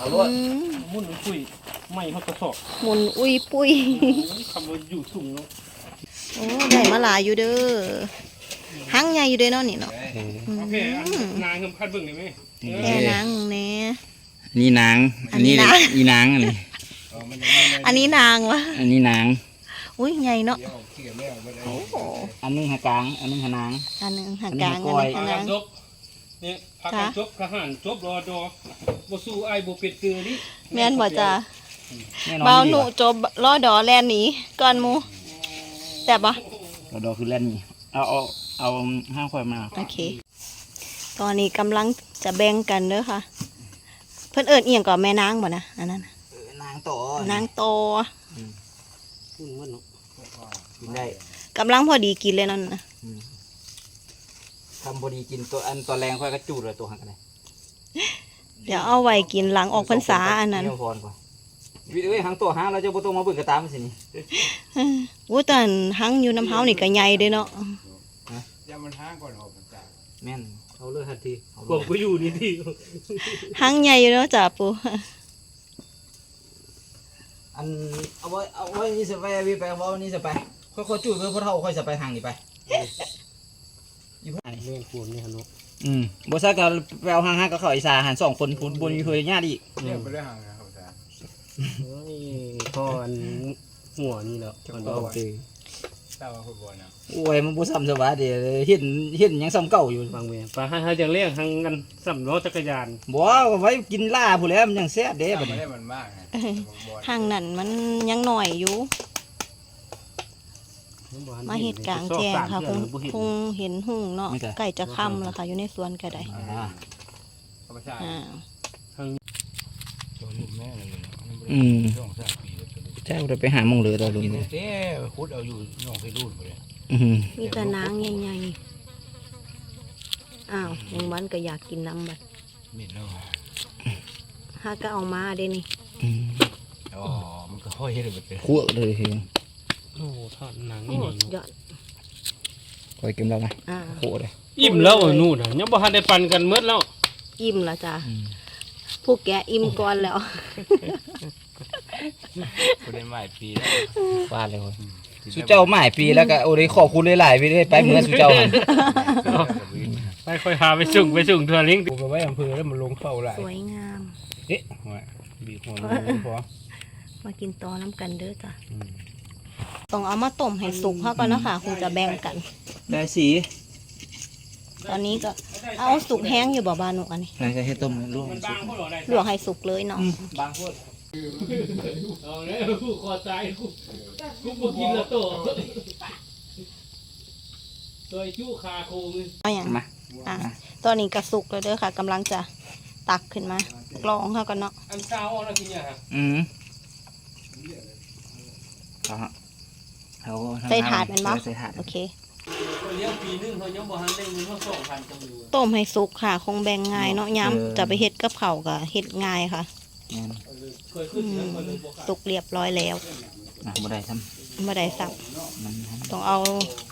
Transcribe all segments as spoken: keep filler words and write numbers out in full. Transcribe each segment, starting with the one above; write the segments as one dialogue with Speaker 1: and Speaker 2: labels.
Speaker 1: เอาลวดมุ่นปุ้ยไม่เขากระสอบ
Speaker 2: หมุนอุ้ยปุ้ย
Speaker 1: คำว่าอยู่สูงเนาะ
Speaker 2: โอ้ได้มาหลายอยู่เด้อหั่งใหญ่อยู่เด้อเนาะนี่เนาะ
Speaker 1: โอเคนางเงินพัดเบิ่งได้ไหม
Speaker 2: แค่นางแน่
Speaker 3: นี่นางอันนี้อีนางอันนี้
Speaker 2: อันนี้นางวะ
Speaker 3: อันนี้นาง
Speaker 2: อุ้ยใหญ่เนาะ
Speaker 3: อันนึงหากลางอันนึงหานาง
Speaker 2: อันนึงหากลางอันนึงหานาง
Speaker 1: นี่พักจบทหารจบรอดอบ่สู้ไอ้บ่เป็ดเตือนี่
Speaker 2: แม่นบ่จ้าเบาหนูจบรอดอแลนหนีก่อนมูแต่บ่
Speaker 3: รอดอคือแลนนี่เอาเอาเอาห้าควายมา
Speaker 2: โอเคตอนนี้กำลังจะแบ่งกันเด้อค่ะเพิ่นเอิ้นเอียงก่อนแม่นางบ่นะอันนั้น
Speaker 3: นางโต
Speaker 2: นางโต
Speaker 3: กินได้
Speaker 2: กำลังพอดีกินเลยนั่นนะ
Speaker 3: ทำพอดีกินตัวอันตัวแรงค่อยกระจูดเลยตัวหักกันเลย
Speaker 2: เดี๋ยวเอาไว้กินหลังออกพรรษาอันนั้น
Speaker 3: พรก่อนวิธีหางตัวหางเราจะโบตัวมาเบิ่งกระตามสินี่
Speaker 2: อู้แต่หางอยู่น้ำเฮานี่ก็ใหญ่เด้เนาะ
Speaker 1: อย่ามันหางก่อนออกพรรษา
Speaker 3: แม่นเอาเลยทันที
Speaker 1: พวกกูอยู่นี่ที่
Speaker 2: หางใหญ่อยู่เนาะจ่าปู
Speaker 3: อันเอาไว้เอาไว้นี่จะไปวิไปเอาไว้นี่จะไปค่อยๆจูดเพื่อพ่อเท่าค่อยจะไปทางนี้ไป
Speaker 1: ยี่ห้อเรื่องคุณนี่ฮะนุ
Speaker 3: อืมบริษัทก็ไปเอาหางหางกับเขาอีสานหันสองคนบนบนมีเพื่อนญาติอีก
Speaker 1: เรื่องไปเรื่องหางนะครับอาจารย์พ่ออันหัวนี่แหละมันโอเคเต้าฟุตบอลนะ
Speaker 3: โอ้ยมันบุซ้ำสวัสดีเห็นเห็นยังซ้ำเก่าอยู่
Speaker 1: บางเวรปลาให้ให้จะเลี้ยงทางกันซ้ำรถจักรยาน
Speaker 3: บ่ไว้กินล่าผู้แล้วมันยังแซ่บเด้
Speaker 1: แบบนี้มันมาก
Speaker 2: หางนั่นมันยังหน่อยอยู่มาเห็ดกลางแจ้งค่ะคงคงเห็นหุ่งเนาะไก่จะค่ำแล้วค่ะอยู่ในสวนก็ได้
Speaker 3: อ่าอืมเจ้าเราไปหามงเลยเราลุง
Speaker 1: เนี่ยเจ้คุดเอาอยู่น้องไปรูดไปเลย
Speaker 2: มีแต่นางใหญ่ๆอ้าวยังวันก็อยากกินน้ำบัด
Speaker 1: มิดแล้ว
Speaker 2: ฮาก็เอามาเด้นี่
Speaker 1: อ๋อมันก็ห้อยเลยแบบ
Speaker 3: คั่วเลยเฮง
Speaker 1: โอ้ทอดหนังนี่
Speaker 2: ยอด
Speaker 3: คอยกินแล้วไงคั่วเลย
Speaker 1: อิ่มแล้วนู่นยังบ่ทันได้ปั่นกันเมื่อแล้ว
Speaker 2: อิ่มแล้วจ้าผู้แกอิ่มก่อนแล้ว
Speaker 1: กูได้หมายปีแล้ว
Speaker 3: ฟาดเลยสุเจ้าหมายปีแล้วก็โอ้ยขอบคุณหลายๆไปด้วยไปเมื่อสุเจ้า
Speaker 1: ไปค่อยพาไปส่งไปส่งทัวริงกูไปไว้อำเภอแล้วมันลงเข้าหลาย
Speaker 2: สวยงาม
Speaker 1: เอ๊ะบีบหัวพอ
Speaker 2: มากินตอน้ำกันเด้อจ้ะต้องเอามาต้มให้สุกเขาก่อนนะค่ะคงจะแบ่งกัน
Speaker 3: ได้สี
Speaker 2: ตอนนี้ก็เอาสุกแห้งอยู่บ่บานุอันนี้
Speaker 3: นายจะให้ต้มลวก
Speaker 2: ลวกให้สุกเลยเนาะ
Speaker 3: บางพวก
Speaker 1: เอาเนี่ยกูคอใจกูกูมากินละโตตัวชู้คาโคง
Speaker 2: เอาอย่างมาอ่ะตอนนี้กระสุกเลยเด้อค่ะกำลังจะตักขึ้นมากรองเขากันเนาะ
Speaker 1: อันเช้าเอาแล้วกินเนี่ยครับ
Speaker 3: อืม
Speaker 2: เอาใส่ถาดมันมั้งโอเคต้มให้สุกค่ะคงแบ่งง่ายเนาะย้ำจะไปเฮ็ดกับเข่ากับเฮ็ดง่ายค่ะสุกเรียบร้อยแล้ว
Speaker 3: บ่ได้ซ้
Speaker 2: ำบ่ได้ซ้ำต้องเอา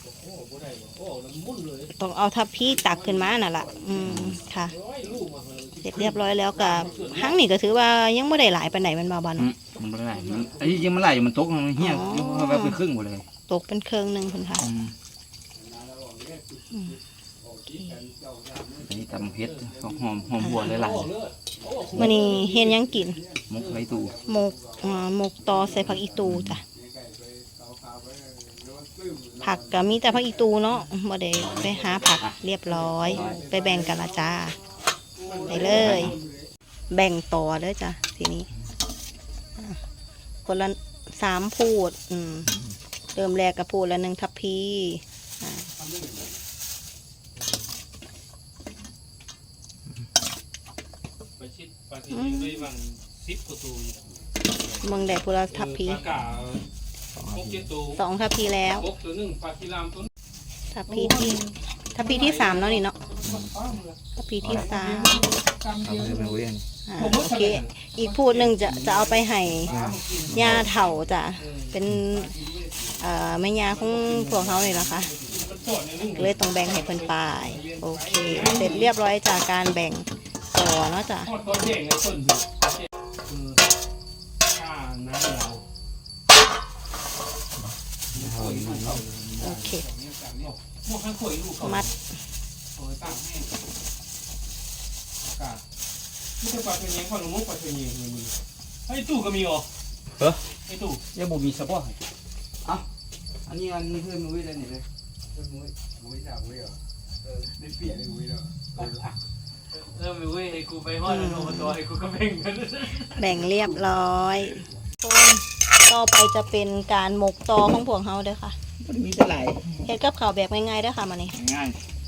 Speaker 2: ต้องเอาทับพี่ตักขึ้นมาน่ะล่ะอืมค่ะเสร็จเรียบร้อยแล้วกับหั่งนี่ก็ถือว่ายังไม่ได้หลายไปไหนมันมาบ้าน
Speaker 3: มันไม่ได้อันนี้ยังไม่ไหลอยู่มันตกมันเหี้ยแบบเป็นครึ่งหมดเลย
Speaker 2: ตกเป็นเครื่องหนึ่งคุณค่ะ
Speaker 3: อันนี้ตำเผ็ดหอมหอมบัวหลาย
Speaker 2: ๆมันนี่เห็นยังกิน
Speaker 3: มกไอตู
Speaker 2: มกมกตอใส่ผักอีตูจ้ะผักก็มีแต่ผักอีตูเนาะบ่ได้ไปหาผักเรียบร้อยไปแบ่งกันละจ้าไปเลยแบ่งต่อเลยจ้ะทีนี้คนละสามพูดอืมเริ่มแรกกับพูดละหนึ่งทัพพีมึงได้พูดละทัพพีสองทัพพีแล้วทัพพีที่ทัพพีที่สามแล้วนี่เนาะทัพพีที่สามโอเคอีกพูดหนึ่งจะจะเอาไปให้ยาเถาจ้ะเป็นแม่ยาของพวกเขาเลยล่ะค่ะเลยต้องแบ่งให้เพิ่นไปโอเคเสร็จเรียบร้อยจากการแบ่งต่อเนาะจ้ะ
Speaker 1: คือข้าน้ำเรา
Speaker 2: โอเค
Speaker 1: พวกข้างข่อยลูกเขา
Speaker 2: มัด
Speaker 1: โอ้ยตั้งแห้งกาไม่ใช่ปลาเป็นยังปลาหนุ่มปลาเป็นยังมีไอ้ตู้ก็มีอ๋อเออไอ้ตู้ยังบ่มีสปอร์ต
Speaker 3: อันนี้อันนี้เพื่อนมุ้ยเลยนี่เลย
Speaker 4: มุ้ยมุ้ยจากมุ้ยเหรอเออได้เปลี่ยนเลยมุ้ยเหรอ
Speaker 1: เริ่มไปเว้ยไอ้กูไปฮอดโนมาตัวไอ้กูก็แบ่งกัน
Speaker 2: แบ่งเรียบร้อยคนต่อไปจะเป็นการหมกตอของพวกเฮาเด้อค่ะ
Speaker 3: มันมีแต่หลาย
Speaker 2: เฮ็ดกับข้าวแบบง่ายๆเด้อค่ะมานี่
Speaker 3: ง่าย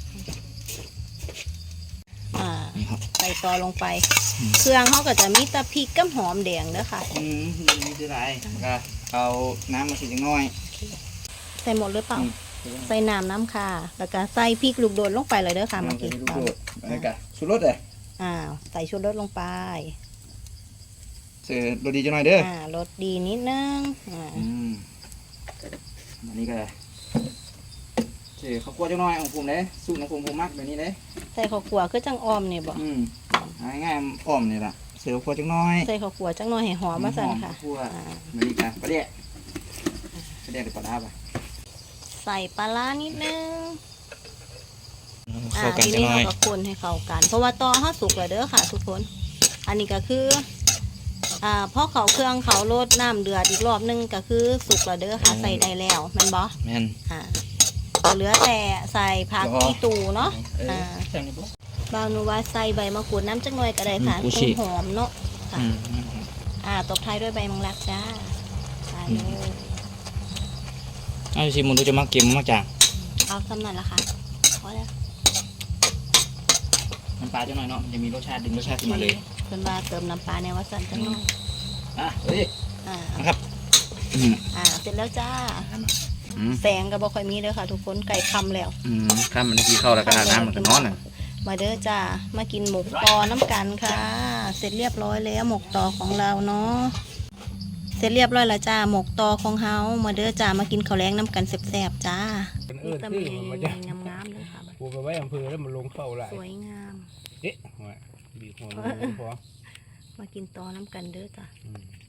Speaker 2: อ่าใส่ตอลงไป เครื่องเฮาก็จะมีแตะพริกกับหอมแดงเด้อค่ะ
Speaker 3: อืมมีแต่หลายก็เอาน้ำมาสิจังน้อย
Speaker 2: ใส่หมดหรือเปล่า ใส่น้ำน้ำค่ะ แล้วก็ใส่พริกลูกโดดลงไปเลยเด้อค่ะเมื่อกี้
Speaker 3: ลูกโดดอะไรกันชูรสเลย
Speaker 2: อ่าใส่ชูรสลงไป
Speaker 3: เสือโดดีจังหน่อยเด้อ
Speaker 2: อ่ารสดีนิดนึงอ่า
Speaker 3: อืมอันนี้ก็เสือข้าวคั่วจังหน่อยของผมเลยสูตรของผมผมมักแบบนี้เลย
Speaker 2: ใส่ข้าวคั่วคือจังออมนี่บ่
Speaker 3: อืมง่ายๆอ้อมนี่แหละเสือข้าวคั่วจังหน่อย
Speaker 2: ใส่ข้าวคั่วจังหน่อยให้หอมมาสั่นค่ะ
Speaker 3: ข้าวคั่ว
Speaker 2: อ่า
Speaker 3: แบบนี้กันประเดี๋ยวประเดี๋ยวเดี๋ยวปลาดาบ
Speaker 2: ใส่ปลาร้านิดนึง
Speaker 3: เข้ากัน
Speaker 2: ที
Speaker 3: จัง
Speaker 2: นี้
Speaker 3: หน่อ
Speaker 2: เรา
Speaker 3: ย
Speaker 2: ก็คนให้เข้ากัน เพราะว่าตอเฮาสุกแล้วเด้อค่ะ ทุกคน อันนี้ก็คืออ่าพอเขาเครื่องเขาลดน้ำเดือดอีกรอบนึงก็คือสุกแล้วเด้อค่ะใส่ได้แล้วแม่นบ่
Speaker 3: แม่น
Speaker 2: อ่าเหลือแต่ใส่ผักอีตูเนาะอ่า
Speaker 3: แซ่บนี่บ่
Speaker 2: บางหนูว่าใส่ใบมะกรูดน้ำจักหน่อยก็ได้ค่ะ
Speaker 3: อืมกู
Speaker 2: ต้
Speaker 3: ฉี
Speaker 2: น
Speaker 3: ก
Speaker 2: หอมเนาะค่ะ
Speaker 3: อืม
Speaker 2: อ่าตบท้ายด้วยใบมังลักจ้าใส่เลย
Speaker 3: ไอ้ชิมมันดูจะมักเก็มมักจาง
Speaker 2: เอาสำนันละค่ะพอแล้ว
Speaker 3: น้ำปลาจังหน่อยเนาะมันจะมีรสชาติดึงรสชาติขึ้นมาเลย
Speaker 2: เพิ่นว่าเติมน้ำปลาในวัดสันจังหน่อย
Speaker 3: อ่ะเฮ้ย
Speaker 2: อ่า
Speaker 3: นะครับอืม
Speaker 2: อ่าเสร็จแล้วจ้า
Speaker 3: อืม
Speaker 2: แสงก็บ่ค่อยมีเด้อค่ะ ทุกคนไก่คำแล้ว
Speaker 3: อืมข้ามมันที่เข้าแล้วก็อาบน้ำมันก็นอนอ่ะ
Speaker 2: มาเด้อจ้ามากินหมกตอน้ำกันค่ะ เสร็จเรียบร้อยแล้วหมกตอของเราเนาะเสร็จเรียบร้อยแล้วจ้าหมกตอของเฮามาเด้อจ้ามากินข้าวแรงน้ำกันแซ่บๆจ้า
Speaker 1: เป็นเอ
Speaker 2: นี่
Speaker 1: อ
Speaker 2: ตะ
Speaker 1: ที่
Speaker 2: เมี
Speaker 1: มันจะ
Speaker 2: งามๆเลยค่ะ
Speaker 1: กูไปไว้อำเภอแล้วมันลงเข้าหลาย
Speaker 2: สวยงาม
Speaker 1: เอ๊ะบีบหัวมันพอ
Speaker 2: มากินตอน้ำกันเด้อจ้า
Speaker 1: อืม